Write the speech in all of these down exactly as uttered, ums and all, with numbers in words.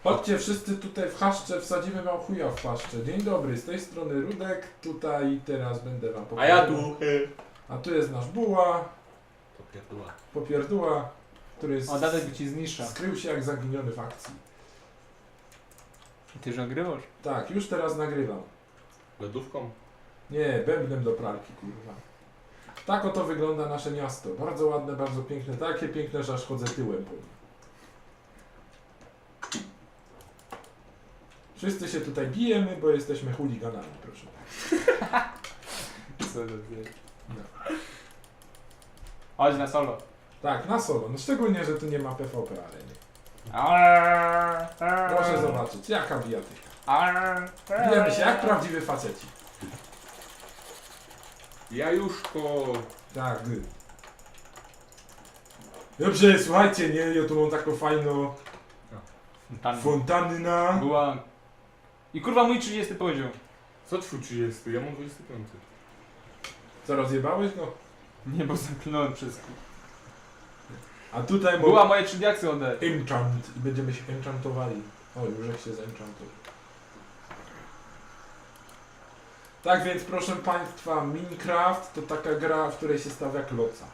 Chodźcie wszyscy tutaj w chaszcze, wsadzimy wam chuja w paszczę. Dzień dobry, z tej strony Rudek, tutaj teraz będę wam A pokazywał. ja tu. A tu jest nasz buła, To pierdła. popierdła, który jest... O, Dadek by ci zniszcza. skrył się jak zaginiony w akcji. Ty już nagrywasz? Tak, już teraz nagrywam. Lodówką? Nie, bębnem do pralki, kurwa. Tak oto wygląda nasze miasto. Bardzo ładne, bardzo piękne. Takie piękne, że aż chodzę tyłem po nim. Wszyscy się tutaj bijemy, bo jesteśmy chuliganami, proszę. Co to jest? No. Chodź na solo. Tak, na solo. No szczególnie, że tu nie ma P V P areny. Proszę Proszę zobaczyć, jaka bijatyka. Bijemy się jak prawdziwy faceci. Jajuszko! Tak, gdy. Dobrze, słuchajcie, nie, ja tu mam taką fajną Tam fontanna. była... I kurwa mój trzydziesty poziom. Co twój trzydziesty? Ja mam dwudziesty piąty. Co, rozjebałeś go? Nie, bo zamknąłem przez... A tutaj Była moje trzy diaksy ode. enchant i będziemy się enchantowali. O, już jak się zenchantował. Tak więc, proszę Państwa, Minecraft to taka gra, w której się stawia kloca.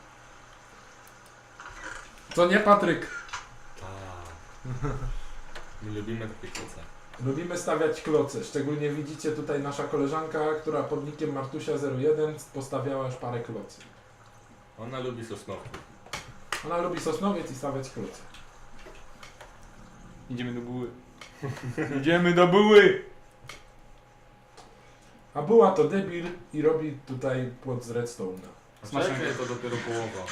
Co nie, Patryk? Tak. My lubimy takie koce. Lubimy stawiać kloce. Szczególnie widzicie tutaj nasza koleżanka, która pod nickiem Martusia zero jeden postawiała już parę klocy. Ona lubi sosnowki. Ona lubi sosnowiec i stawiać kloce. Idziemy do buły. Idziemy do buły! A była to debil i robi tutaj płot z redstone'a. Smacznego. Czekaj, to dopiero połowa.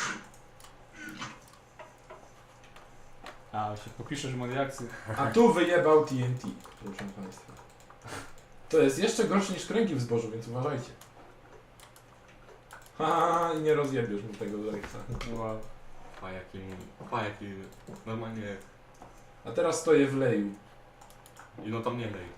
A, się popiszesz moje diaksy. A tu wyjebał T N T, proszę Państwa. To jest jeszcze gorsze niż kręgi w zbożu, więc uważajcie. Haha, i nie rozjebiesz mu tego leksa. Wow. Pa jaki... Pa jaki... Normalnie... A teraz stoję w leju. I no tam nie lej.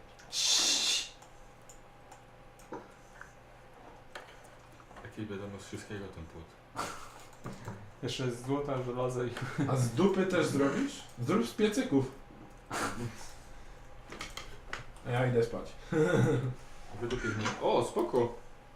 Jakiej wiadomo z wszystkiego ten płot. Jeszcze z złota, żelaza i... A z dupy też zrobisz? Zrób z piecyków. A ja idę spać. Wydupię z nim. O, spoko!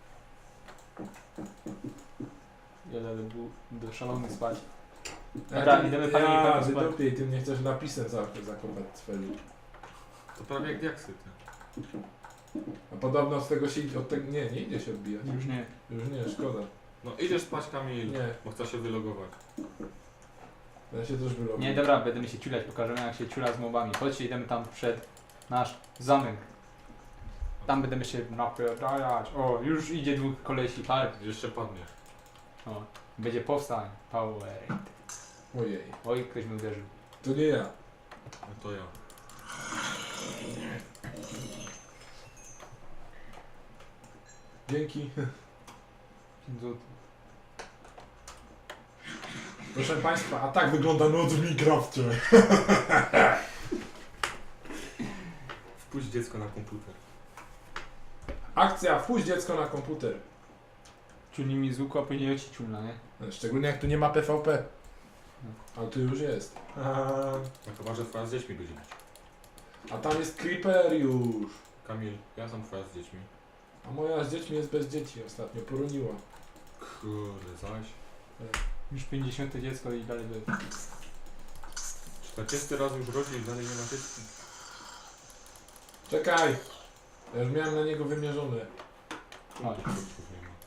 Jadę do, bu- do szalonych spać. Ja Dobra, ty- idziemy pani Ja, Michał spać. wydupię i ty mnie chcesz napisem za- zakopać cwelu. To prawie jak diaksy, ty. A podobno z tego się idzie, od tego, nie, nie idzie się odbijać. Już nie. Już nie, szkoda. No idziesz spać, Kamil, Nie, bo chcę się wylogować. ja się też wyrobię. Nie, dobra, będziemy się ciulać, pokażemy jak się ciula z mobami. Chodźcie, idziemy tam przed nasz zamek. Tam będziemy się napierdalać. O, już idzie dwóch kolesi, park. Jeszcze padniesz. O, będzie powstań. Power. Ojej, Oj, ktoś mnie uderzył. to nie ja. No to ja. Dzięki. pięć złotych. Proszę Państwa, a tak wygląda noc w Minecrafcie. Wpuść dziecko na komputer. Akcja, wpuść dziecko na komputer. Ciuli mi z łuku, a później ci ciulna, nie? Szczególnie jak tu nie ma P V P. Ale tu już jest. No chyba, że twoja z dziećmi będzie być. A tam jest Creeper już. Kamil, ja sam twoja z dziećmi. A moja z dziećmi jest bez dzieci ostatnio, poroniła. Kurde, zaś. Już pięćdziesiąte dziecko i dalej by... czterdziesty raz już rodzi i dalej nie ma dzieci. Czekaj. Ja już miałem na niego wymierzone. Chodź. Kurczów nie ma.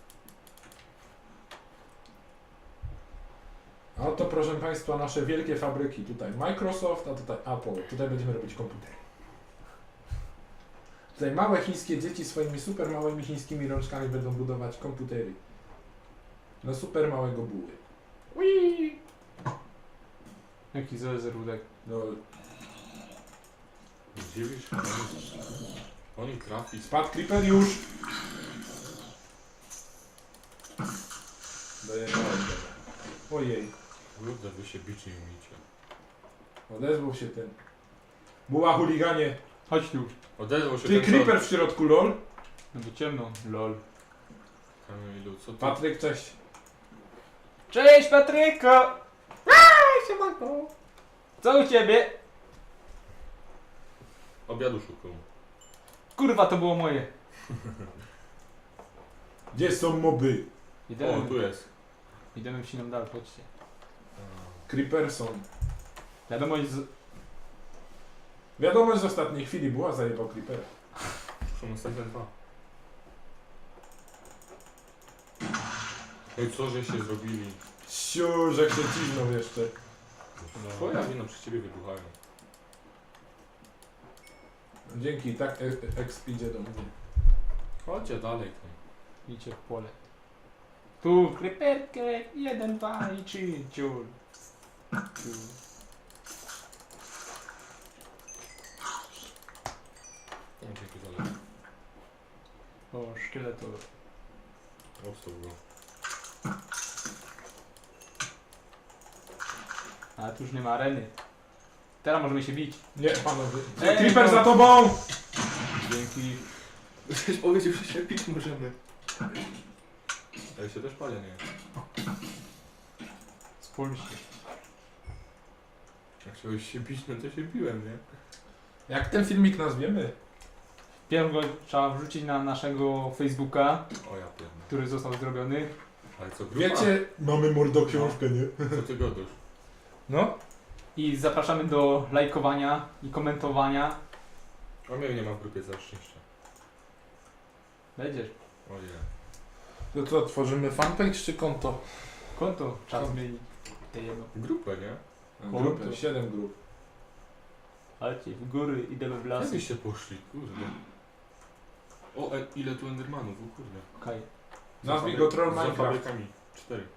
A oto, proszę Państwa, nasze wielkie fabryki. Tutaj Microsoft, a tutaj Apple. Tutaj będziemy robić komputery. Tutaj małe chińskie dzieci swoimi super małymi chińskimi rączkami będą budować komputery. Na super małego buły. Whee! Jaki zerudek. No, Zdziwisz? Oni, oni trafi. spadł Creeper już! Dojechałem. Ojej, Kurde, wy się bić nie umiecie. odezwał się ten. Buła chuliganie. Chodź tu. Odezwał się Ty ten Creeper w środku, lol. No bo ciemno. Lol. Kamilu, co ty? Patryk, cześć. Cześć Patryko! Aaaa, siemanko! Co u ciebie? Obiadu szukam. Kurwa, to było moje. Gdzie są moby? O, Idziemy, tu jest. idziemy w siną dal, chodźcie. Creeperson. Wiadomość z... Wiadomość z ostatniej chwili była, zajebał Creepera. Są następne dwa. No i co, że się zrobili? Siu, że się dziwną jeszcze. Twoja wina przy ciebie wybuchają. Dzięki, tak e- exp idzie do mnie. Chodźcie dalej tam. Idźcie w pole. Tu, kryperkę, jeden, dwa i trzy, ciul. Tu. No, dzięki dalej. O, szkieletor. Ostał go. A tu już nie ma areny. Teraz możemy się bić. Nie, panowie. Ej, Creeper no. za tobą! Dzięki. Ktoś powiedział, że się pić możemy. Ja się też palę, nie? Spójrzcie. Jak chciałeś się bić, no to się biłem, nie? Jak ten filmik nazwiemy? Pierw go trzeba wrzucić na naszego Facebooka, O ja pierdolę. który został zrobiony. Ale co, grupa? Wiecie, mamy mordoksiążkę, nie? Co ty gadasz? No. I zapraszamy do lajkowania i komentowania. A mnie nie ma w grupie, za szczęście. Będziesz. Ojej. To co, tworzymy fanpage czy konto? Konto trzeba Konto. zmienić. Te jedno. Grupę, nie? Konto. Grupy, siedem grup. Chodźcie, w góry, idziemy w Jak lasy. byście poszli, kurde. O, e, ile tu endermanów, o kurde. Okej. Nazwij go Troll Za Minecraft. fabrykami. Cztery.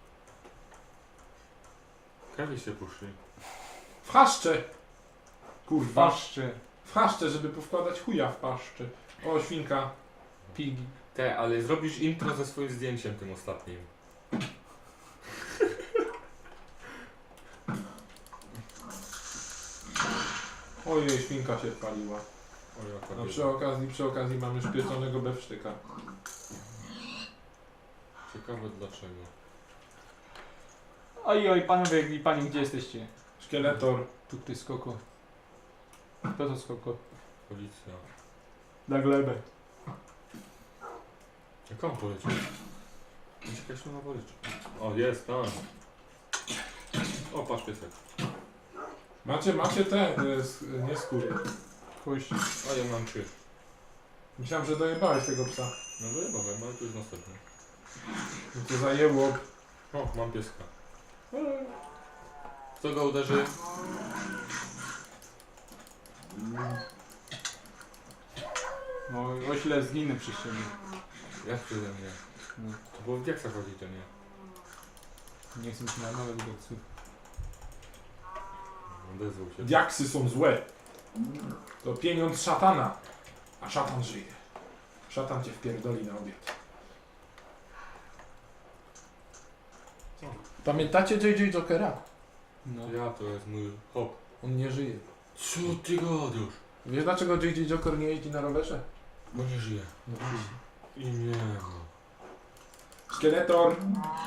Jak byście poszli? W chaszcze! Kurwa. Paszczy, W chaszcze, żeby powkładać chuja w paszcze. O, świnka. pigi. Te, ale zrobisz intro ze swoim zdjęciem tym ostatnim. Ojej, świnka się spaliła. O, jaka No bieda. przy okazji, przy okazji mamy już pieczonego bewsztyka. Ciekawe dlaczego. Oj, oj, panowie i panie, gdzie jesteście? Szkieletor. Tu ktoś skoko. Kto to skoko? Policja. Na glebę. Jak on poleciał? Uciekać na worycz. O, jest, tam. O, patrz piesek. Macie, macie te, e, sk- nie skóry. Puść. O, ja mam trzy. Myślałem, że dojebałeś tego psa. No dojebałem, ale tu jest następny. No to zajęło. O, mam pieska. Kto go uderzy? No, ośle zginę przy ścianie. Jak przeze mnie? No, To było w diaksach chodzi, to nie. nie chcę mi się na nowe widocy. Odezwał się. Diaksy są złe. To pieniądz szatana. A szatan żyje. Szatan cię wpierdoli na obiad. Co? Pamiętacie J J Jokera? No. Ja, to jest mój hop. On nie żyje. Co ty gadasz? Wiesz dlaczego J J Joker nie jeździ na rowerze? Bo nie żyje. No I nie ma. Szkieletor.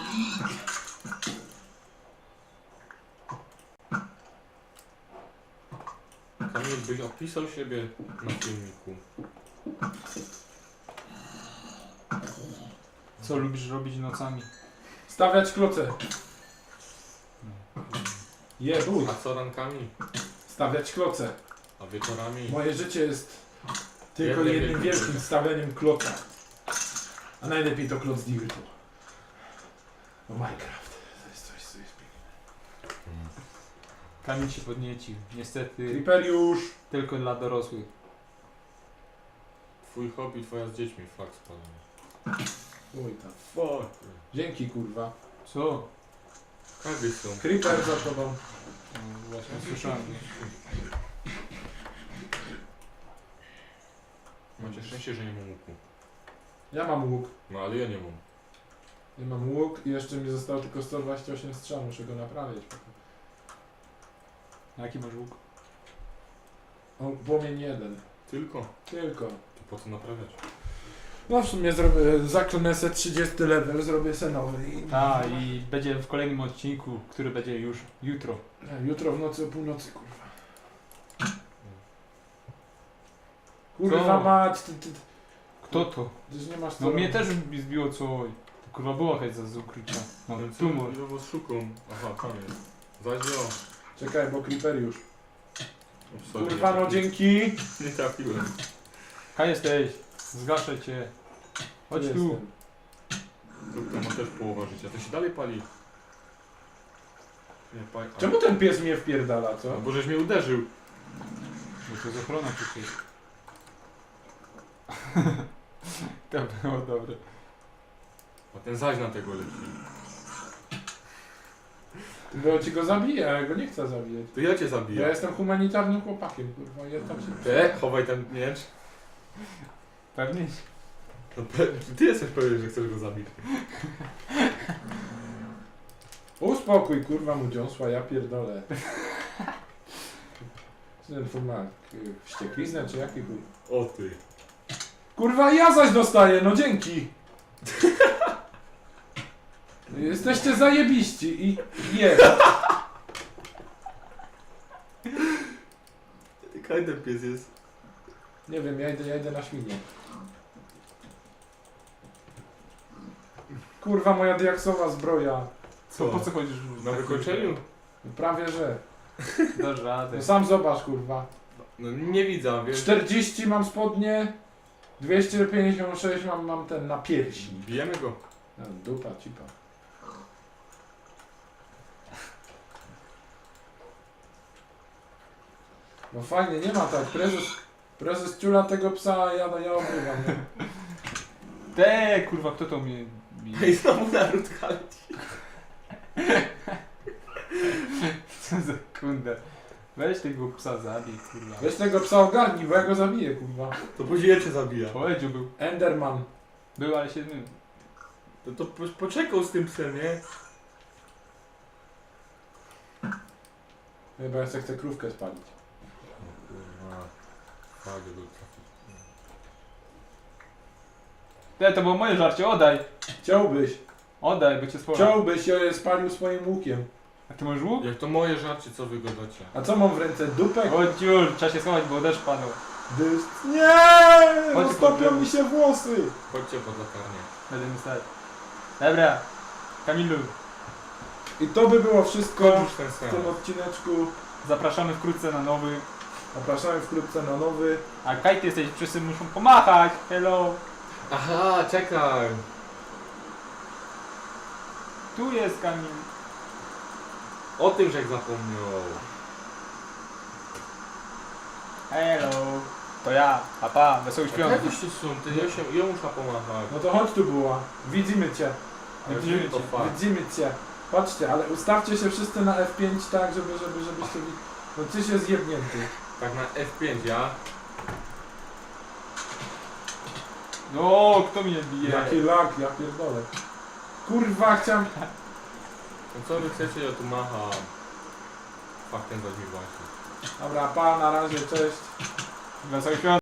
Kamil, byś opisał siebie na filmiku. Co lubisz robić nocami? Stawiać kloce. Jebuj. A co rankami? Stawiać kloce. A wieczorami? Moje życie jest tylko Jednym jednym wielkim wielkim stawianiem kloca. A najlepiej to kloc Dirtu. Bo Minecraft to jest coś, co jest piękne. Kamil się podniecił. Niestety Creeperiusz. tylko dla dorosłych. Twój hobby, twoja z dziećmi, fakt spalony. Uj tam. Fuck. Dzięki kurwa. Co? Kawy są. Creeper za tobą. No, właśnie słyszałem. Macie szczęście, że nie mam łuku. Ja mam łuk. No ale ja nie mam. Ja mam łuk i jeszcze mi zostało tylko sto dwadzieścia osiem strzał. Muszę go naprawić. Jaki masz łuk? O, płomień jeden. Tylko. Tylko. To po co naprawiać? No w sumie zrobię, zaklnę se trzydziesty level, zrobię se nowy i... A i będzie w kolejnym odcinku, który będzie już jutro. Jutro w nocy o północy, kurwa. Kurwa Co? mać, ty, ty, Kto to? ty nie masz co No mnie robić. też mi zbiło co. Kurwa była chęć za z ukrycia. No Ten tumor. Ile was szukam? Aha, tam jest. Zaś jo. Czekaj, bo creeper już. O, sorry, Kurwa nie no trafi- dzięki. Nie trafiłem. Kaj jesteś? Zgaszę cię. Chodź tu. jestem. To ma też połowa życia. To się dalej pali. Nie pali. a- Czemu ten pies mnie wpierdala, No co? bo żeś mnie uderzył. Bo to jest ochrona przecież. To było dobre. A ten zaś na tego leci. Bo ci go zabije, a ja go nie chcę zabijać. To ja cię Ja zabiję. jestem humanitarnym chłopakiem, kurwa, ja tam się... E, chowaj ten miecz. Pewnie? No, pe- ty jesteś pewien, że chcesz go zabić. Uspokój, kurwa, mu dziąsła, ja pierdolę. Co ten full ma? K- Wściekliznę czy jaki chuj? O ty. Kurwa, ja zaś dostaję, no dzięki! Jesteście zajebiści i jest. Kaj ten pies jest. Nie wiem, ja idę, ja idę na świnię. Kurwa, moja diaksowa zbroja. Co, po co chodzisz? Na wykończeniu? Prawie że. Dasz radę. No sam zobacz, kurwa. No nie widzę, wiesz. czterdzieści mam spodnie, dwieście pięćdziesiąt sześć mam, mam ten na piersi. Bijemy go. No, dupa, cipa. No fajnie, nie ma tak. Prezes, prezes ciula tego psa, a ja, no, ja obrywam. Nie? Te kurwa, kto to mnie bije? Ej, znowu naród leci. Co za kurde. Weź tego psa zabij, kurwa. Weź tego psa ogarnij, bo ja go zabiję, kurwa. To później cię zabija. Powiedział był. Enderman. Był, ale się zmył. To, to po, poczekał z tym psem, nie? Chyba ja sobie chcę krówkę spalić. Kurwa. Fajnie go trafić. Te, to było moje żarcie, oddaj. Chciałbyś, Oddaj, bo cię spora. chciałbyś, ja je spalił swoim łukiem. A ty masz łuk? Jak to moje żarcie, co wy gadacie? A co mam w ręce? Dupek? Chodź już, trzeba się schować, bo deszcz padał. Dyst. Nie! Chodź, Roztopią chodź. mi się włosy! Chodźcie pod latarnię. Będziemy stać. Dobra. Kamilu, I to by było wszystko Kończ już ten w sen. tym odcineczku. zapraszamy wkrótce na nowy. Zapraszamy wkrótce na nowy. A Kaj, ty jesteś, wszyscy muszą pomachać. Hello. Aha, czekaj. Tu jest Kamil. O tym, żeś zapomniał. Hello. To ja. Papa, wesołych Jak świąt. już tu są? Ty ja się, ja muszę pomachać. No to chodź tu była. Widzimy cię. Ale widzimy to cię. fakt. Widzimy cię. Patrzcie, ale ustawcie się wszyscy na F pięć tak, żeby, żeby, żebyście... wi- No ty się zjebnięty. Tak na F pięć, ja? No, kto mnie bije? Jaki lag, ja pierdolę. Kurwa, chciałem... No co wy chcecie, ja tu macham. Fakt ten zaś mi właśnie. Dobra, pa, na razie, cześć. Wesołych świąt.